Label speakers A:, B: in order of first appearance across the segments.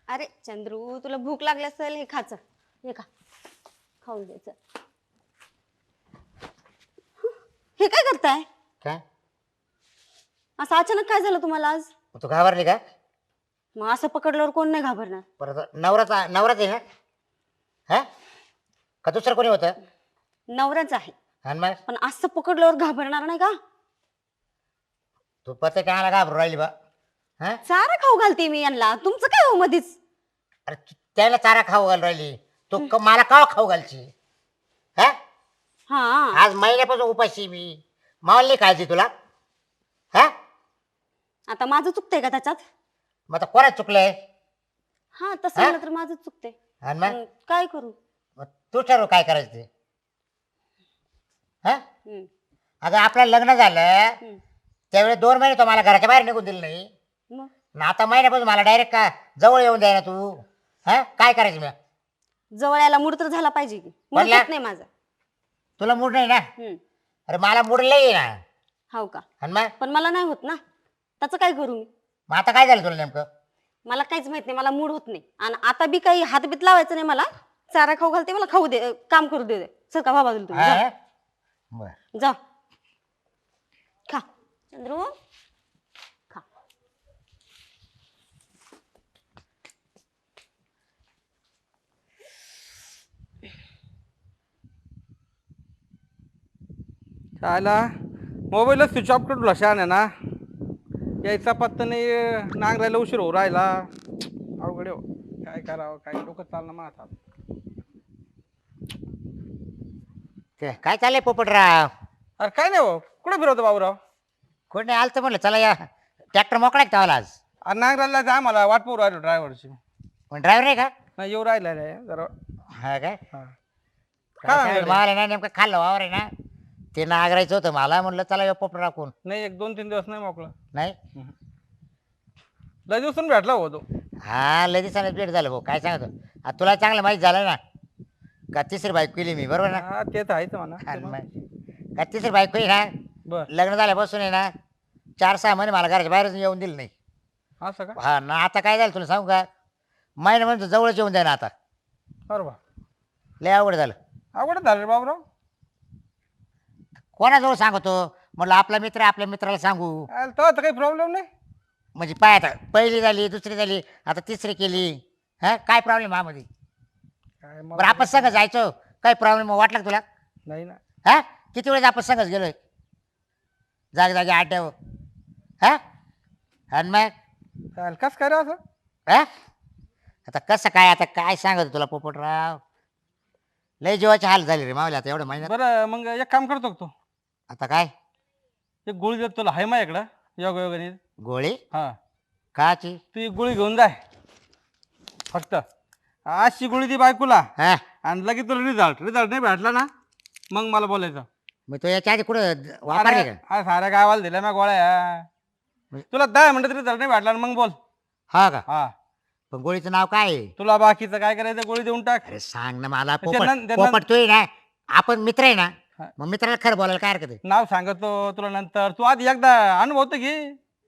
A: अरे चंद्रू, तुला भूक लागली असेल, हे खाच, हे खा, खाऊन द्यायचं. हे काय करताय?
B: काय
A: असं अचानक काय झालं तुम्हाला आज?
B: तू घाबरली का?
A: मग असं पकडल्यावर कोण नाही घाबरणार?
B: परत नवराच आहे ना? हा का दुसरं कोणी होतं?
A: नवराच आहे,
B: आणि मग
A: पण असं पकडल्यावर घाबरणार नाही का?
B: तू पते काय घाबरू राहिली बा? हा
A: चारा खाऊ घालते मी यांना, तुमचं काय हो मधीच?
B: अरे त्याला चारा खाऊ घाल राहिली तू मला का खाऊ घालची? हा
A: हा
B: आज महिन्यापासून उपाशी मी. मावली नाही काळजी तुला? हा
A: आता माझं चुकतंय का त्याच्यात?
B: मग आता कोणाच चुकलंय?
A: हा तसं म्हणलं तर माझं चुकतंय.
B: आणि मग
A: काय करू?
B: मग तू ठरव काय करायचं ते. हा
A: हम्म,
B: अगं आपलं लग्न झालं
A: हम्म.
B: त्यावेळी 2 महिने तो मला घराच्या बाहेर निघून दिलं नाही.
A: मग
B: ना आता महिन्यापासून मला डायरेक्ट का जवळ येऊन द्याय ना तू? हा काय करायचं मी?
A: जवळ यायला मूड तर झाला पाहिजे की. मूड
B: पडला?
A: होत नाही माझा.
B: तुला मूड नाही ना?
A: हम्म,
B: अरे मला मूड लई ना.
A: हो का?
B: आणि मग
A: पण मला नाही होत ना, त्याचं काय करू मी?
B: मग आता काय झालं तुला नेमकं?
A: मला काहीच माहित नाही, मला मूड होत नाही. आणि आता बी काही हातबीत लावायचं नाही मला. चारा खाऊ घालते, मला खाऊ दे, काम करू दे. सर का बाबा तुम्ही जा.
B: हा? बरं.
A: जा खा चंद्रू, खा.
C: आला मोबाईलच स्विच ऑफ करून लशान आहे ना. यायचा पत्ता नाही, नांगरायला उशीर होऊ राहिला. अवघड हो, काय करावं, काय डोकं चालणं माझा.
B: काय चाललंय पोपटराव?
C: अरे काय नाही हो, कुठं फिरवतो बाबूराव?
B: कोण नाही आलं तर म्हटलं चला या ट्रॅक्टर मोकळा आहे का आज?
C: अरे नांगरायला जा, मला वाट पाहू राहिलो ड्रायव्हरची.
B: पण ड्रायव्हर नाही का?
C: नाही येऊ राहिला रे जरा.
B: हा काय?
C: हा.
B: काय
C: काय
B: सांगितलं? मला ना नेमकं खाल्लं वावर आहे ना, ते नागरायचं होतं मला. म्हणलं चला या पोपटराव कोण
C: नाही, 1-2-3 दिवस नाही मोकळं.
B: नाही.
C: लय दिवसून भेटला हो तो.
B: हा लय दिवसाने भेट झालं भाऊ. काय सांगतो आता तुला चांगलं माहिती झालं ना का तिसरी बाईक केली मी, बरोबर ना?
C: हा ते तर आहेच म्हणा.
B: आणि मग का तिसरी बाईक केली ना,
C: बर
B: लग्न झाल्यापासून आहे ना 4-6 महिने मला घराच्या बाहेरच येऊन दिलं नाही.
C: असं का?
B: हा ना आता काय झालं तुला सांगू का? महिना म्हणजे जवळच येऊन द्या ना आता.
C: बरोबर,
B: लय अवघड झालं.
C: अवघड झालं रे बाबूराव.
B: कोणाजवळ सांगतो? म्हटलं आपला मित्र आपल्या मित्राला सांगू.
C: तो आता काही प्रॉब्लेम नाही.
B: म्हणजे पाय आता पहिली झाली, दुसरी झाली, आता तिसरी केली. हा काय प्रॉब्लेम मध्ये?
C: काय
B: बरं आपण संग जायचो, काही प्रॉब्लेम वाटला का तुला?
C: नाही ना.
B: हा किती वेळेस आपण संगच गेलोय जागी आड्यावर. हा आणि मग
C: कस काय रे असं?
B: हा आता कसं काय, आता काय सांगतो तुला पोपटराव? लय जीवाचे हाल झाले रे मावले आता एवढं महिन्यात.
C: बरं मग एक काम करतो का तू?
B: आता काय
C: एक गोळी देतो तुला, हाय माझ्याकडं योगायोगाने.
B: गोळी?
C: हा,
B: काची?
C: तू एक गोळी घेऊन जाय फक्त. अशी गोळी दी बायकोला,
B: हा
C: आणि लगेच तुला रिझल्ट नाही भेटला ना मग मला बोलायचं.
B: मग तो याच्या आधी कुठं वापरले
C: अरे
B: का?
C: साऱ्या गावाला दिल्या ना गोळ्या. तुला 10 मिनिटात रिझल्ट नाही भेटला ना मग बोल.
B: हा का?
C: हा,
B: पण गोळीचं नाव काय आहे?
C: तुला बाकीचं काय करायचं गोळी देऊन टाक.
B: अरे सांग ना मला.
C: त्यांना-
B: पोपट तू आहे ना, आपण मित्र आहे ना,
C: हा.
B: मग मित्राला खरं बोलायला काय हरकत आहे?
C: नाव सांगतो तुला नंतर, तू आधी एकदा अनुभव तर घे.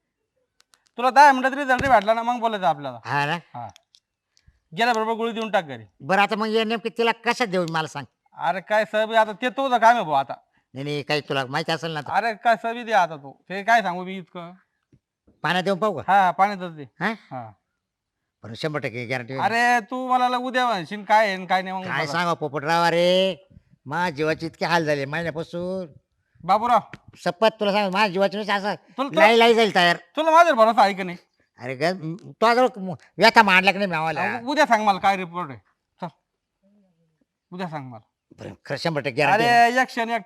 C: तुला 10 मिनिटात रिझल्ट नाही भेटला ना मग बोलायचं आपल्याला.
B: हा ना.
C: हा, गेल्याबरोबर गोळी देऊन टाक घरी.
B: बरं आता मग हे नेमकी तिला कशात देऊ मला सांग.
C: अरे काय सबी आता ते तुझं काम आहे भाऊ आता.
B: नाही काही तुला माहिती असेल ना आता.
C: अरे काय सबी दे आता तू, ते काय सांगू मी इतकं.
B: पाण्यात देऊन पाहू का?
C: हा, पाण्यातच दे.
B: हा
C: हा,
B: पण 100% गॅरंटी.
C: अरे तू मला उद्या म्हणशील काय आहे आणि काय नाही मग
B: काय
C: बघा.
B: सांगा पोपटराव, अरे माझ्या जीवाचे इतके हाल झाले महिन्यापासून.
C: बाबूराव,
B: सपत तुला सांग माझ्या जीवाची नुसती असं
C: तुला
B: लाई जाईल तयार.
C: तुला माझ्यावर भरोसा आहे का नाही?
B: अरे तो जवळ व्यथा मांडला की नाही मावाला.
C: उद्या सांग मला काय रिपोर्ट आहे. चल उद्या सांग मला.
B: बरं, खरं 100%
C: अरे
B: गॅरंटी.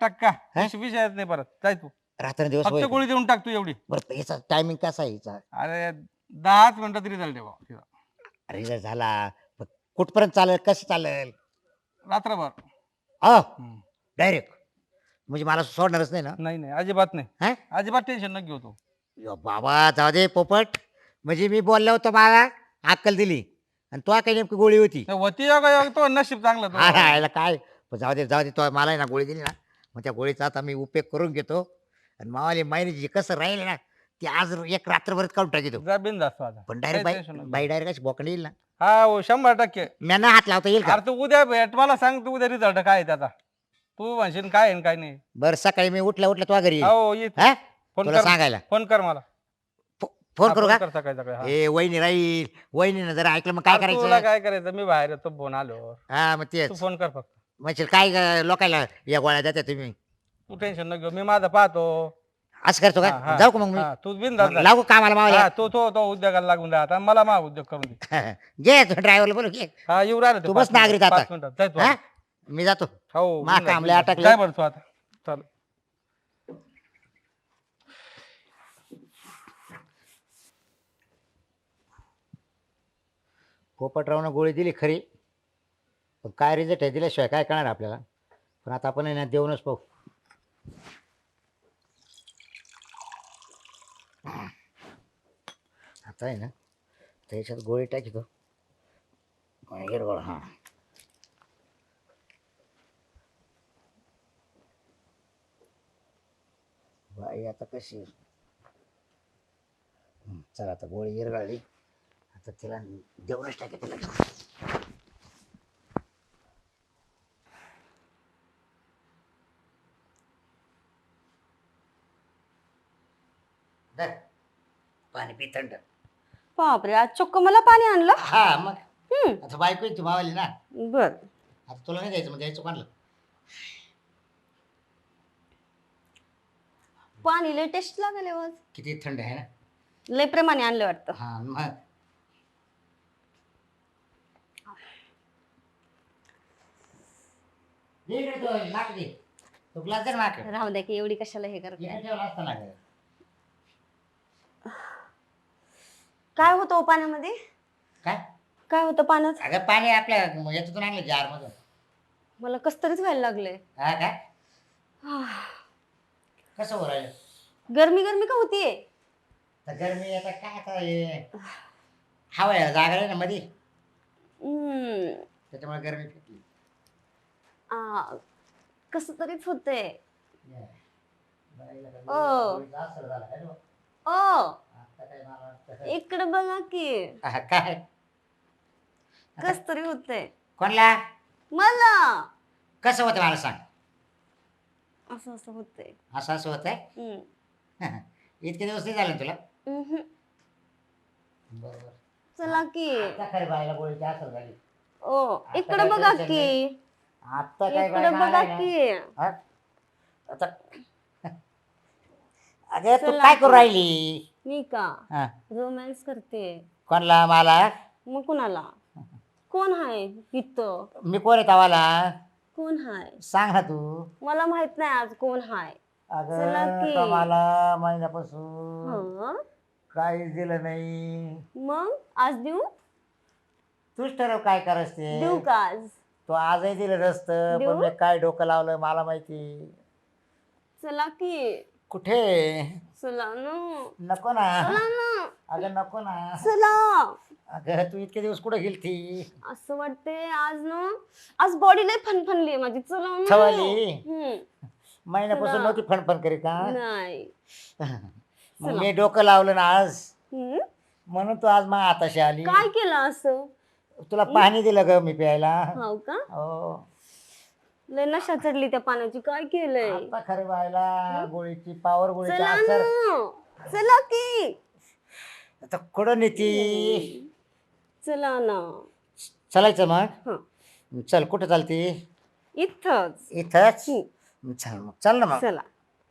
C: 1% विषयात नाही परत. जाय तू,
B: रात्र दिवस
C: फक्त
B: होईल.
C: गोळी देऊन टाक तू एवढी.
B: बरं याचा टायमिंग कसा आहे याचा?
C: अरे 10 मिनिटात रिझल्ट आहे भाऊ.
B: रिझल्ट झाला पण कुठपर्यंत चालेल, कसं चालेल?
C: रात्रभर.
B: हो
C: हम्म.
B: डायरेक्ट म्हणजे मला सोडणारच नाही ना?
C: नाही नाही, अजिबात नाही.
B: हा
C: अजिबात टेन्शन न घेऊ तू.
B: यो बाबा जाऊ दे पोपट. म्हणजे मी बोललो होतो मला अक्कल दिली आणि तो काही नेमकी गोळी होती.
C: होती योग तो नशीब चांगलं तो.
B: हा याला काय. पण जाऊ दे तो मला आहे ना गोळी दिली ना, मग त्या गोळीचा आता मी उपयोग करून घेतो. आणि मावाली मायने जे कसं राहील ना ती आज एक रात्रभरात काढून टाकी तो
C: जा बिंदास तू आता
B: पण
C: काही
B: डायरेक्ट
C: tension नको.
B: बाई डायरेक्ट अशी बोकडे येईल ना
C: हा हो 100%.
B: मी ना हात लावता येईल का
C: अरे तू उद्या भेट मला सांग तू उद्या रिझल्ट काय आहे त्याचा तू म्हणशील काय आहे आणि काय नाही.
B: बरं सकाळी मी उठल्या तुझ्या घरी येईल
C: हो ये तू.
B: हा
C: फोन
B: तुला
C: कर
B: सांगायला
C: फोन कर मला.
B: फोन करू का
C: कर सकाळी सकाळी हा.
B: ए वहिनी राहील वहिनीनं जर ऐकलं मग काय
C: अरे तुला
B: करायचं
C: काय करायचं मी बाहेर येतो फोन आलो
B: हा मग
C: तू
B: तेच
C: फोन कर फक्त.
B: म्हणजे काय लोकायला या गोळ्या देता तुम्ही
C: तू टेन्शन न घेऊ मी माझं पाहतो.
B: असं करतो
C: हा,
B: का
C: हा.
B: जाऊ का मग मी
C: हा, तू बिंदास
B: मग
C: जा.
B: लागू कामाला मावल्या
C: हा, तो उद्योगाला लागून जा आता मला मा उद्योग करून दे.
B: घे तू ड्रायव्हरला बोलू घे
C: हा येऊ राहिलं ते
B: तू
C: 5
B: बस नागरिक
C: मिनिटात,
B: आता.
C: 5 मिनिटात. जाय तू
B: हा
C: आता.
B: मी जातो
C: हो
B: मा
C: बिनधास्त,
B: कामले
C: बिनधास्त.
B: अटकले.
C: जाय बरं तू आता चल.
B: पोपटरावनं गोळी दिली खरी पण काय रिझल्ट आहे दिल्याशिवाय काय कळणार आपल्याला पण आता आपण आहे ना देऊनच पाहू आता आहे ना त्याच्यात गोळी टाकी तो हिरवळ हां बाई आता कशी चला आता गोळी हिरगाळली आता तिला देऊनच टाके तिला धर, पाणी पी थंड
A: बापरे आज चक्क मला पाणी आणलं.
B: हा मग
A: हम्म
B: आता बायको आहे ती मावाली ना
A: बर
B: आता तुला नाही द्यायचं मग द्यायचं कोणाला
A: पाणी लय टेस्ट लागले आज.
B: किती थंड आहे ना
A: लय प्रेमाने आणलं वाटतं.
B: हा मग दे इकडे तो नाक दे तो ग्लास दे नाक
A: राहू द्या की एवढी कशाला हे करते.
B: इकडे ठेवला असता ना गं.
A: काय होतं हो पाण्यामध्ये
B: काय
A: काय होतं पाण्यात.
B: अगं पाणी आपल्या याच्यातून आणलं जार मधून
A: मला कस तरीच व्हायला लागले.
B: हा काय कसं हो राहिलं
A: गरमी गरमी का होतीये.
B: तर गरमी आता काय आता हे हवा यायला जागा आहे ना मध्ये
A: हम्म
B: त्याच्यामुळे गरमी फिरली
A: कस तरीच होते.
B: बाईला काय
A: ओ.
B: गोळीचा असर झाला काय रे?
A: ओ
B: आता काय मला वाटतं
A: इकडे बघा की
B: काय
A: कस तरी होते
B: कोणला
A: मला.
B: कसं होतं मला सांग
A: असं असं होते.
B: असं असं होत आहे इतके दिवस नाही झाले ना तुला बरोबर
A: चला की
B: खरे बाईला गोळीची असर झाली
A: ओ
B: आता
A: इकडे
B: काय
A: बघा
B: tension
A: की
B: आता काय
A: इकडे
B: बाई
A: बघा
B: आलाय ना?
A: की
B: हा? आता अगं तू
A: चला
B: काय
A: की.
B: करू राहिली
A: मी का
B: हा
A: रोमॅन्स करते.
B: कोणला मला
A: मग कुणाला कोण हाय इथं
B: मी कोण आहे तवाला
A: कोण हाय
B: सांग ना तू
A: मला माहित नाही आज कोण हाय. चला
B: अगं
A: की.
B: मला महिन्यापासून
A: हं?
B: काहीच दिलं नाही
A: मग आज देऊ
B: तूच ठरव काय करायचं ते
A: देऊ का आज.
B: तो आजही दिलं नसतं
A: देऊ?
B: पण मी काय डोकं लावलं मला माहिती
A: चला की
B: कुठे
A: चला ना
B: नको ना
A: चला ना
B: अगं नको ना
A: चला.
B: अगं तू इतके दिवस कुठे गेलती
A: असं वाटते आज ना आज बॉडी लय फनफनली माझी. चला ना.
B: थवाली?
A: हम्म.
B: महिन्यापासून
A: चला.
B: नव्हती फणफण करीत का
A: नाही
B: मग
A: चला.
B: मी डोकं लावलं ना आज
A: हम्म?
B: म्हणून तू आज मग आताशी आली
A: काय केलं असं.
B: तुला पाणी दिलं ग मी प्यायला
A: हो का
B: हो
A: लय नशा चढली त्या पाण्याची. काय केलंय.
B: आता खरे व्हायला गोळीची पावर गोळीची
A: चला
B: असर
A: ना चला की
B: आता कुठं नेती
A: चला ना.
B: चालायचं मग
A: हं.
B: चल कुठं चालती
A: इथंच.
B: इथंच
A: हं.
B: चल मग चल ना मग
A: चला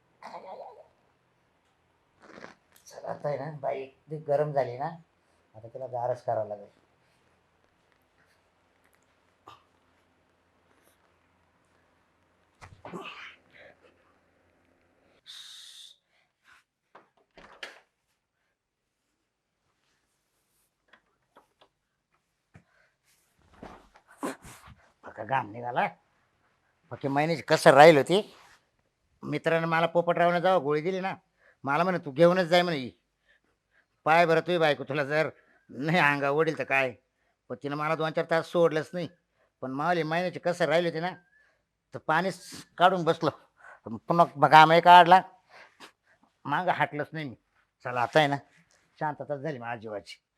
B: चल आता आहे ना बाई इतकी गरम झाली ना आता तिला गारच करावं लागेल फक्त घाम निघाला फक्त महिन्याची कसर राहील होती मित्रानं मला पोपटरावनं जावं गोळी दिली ना मला म्हणे तू घेऊनच जाय म्हणे ही. पाय बरं तुझी बायको तुला जर नाही अंगा ओढील तर काय पण तिनं मला 2-4 तास सोडलंच नाही पण मावली महिन्याची कसर राहिली होती ना तर पाणीच काढून बसलो पुन्हा घामही काढला मागं हाटलंच नाही मी चला आता आहे ना शांतता झाली माझ्या जीवाची.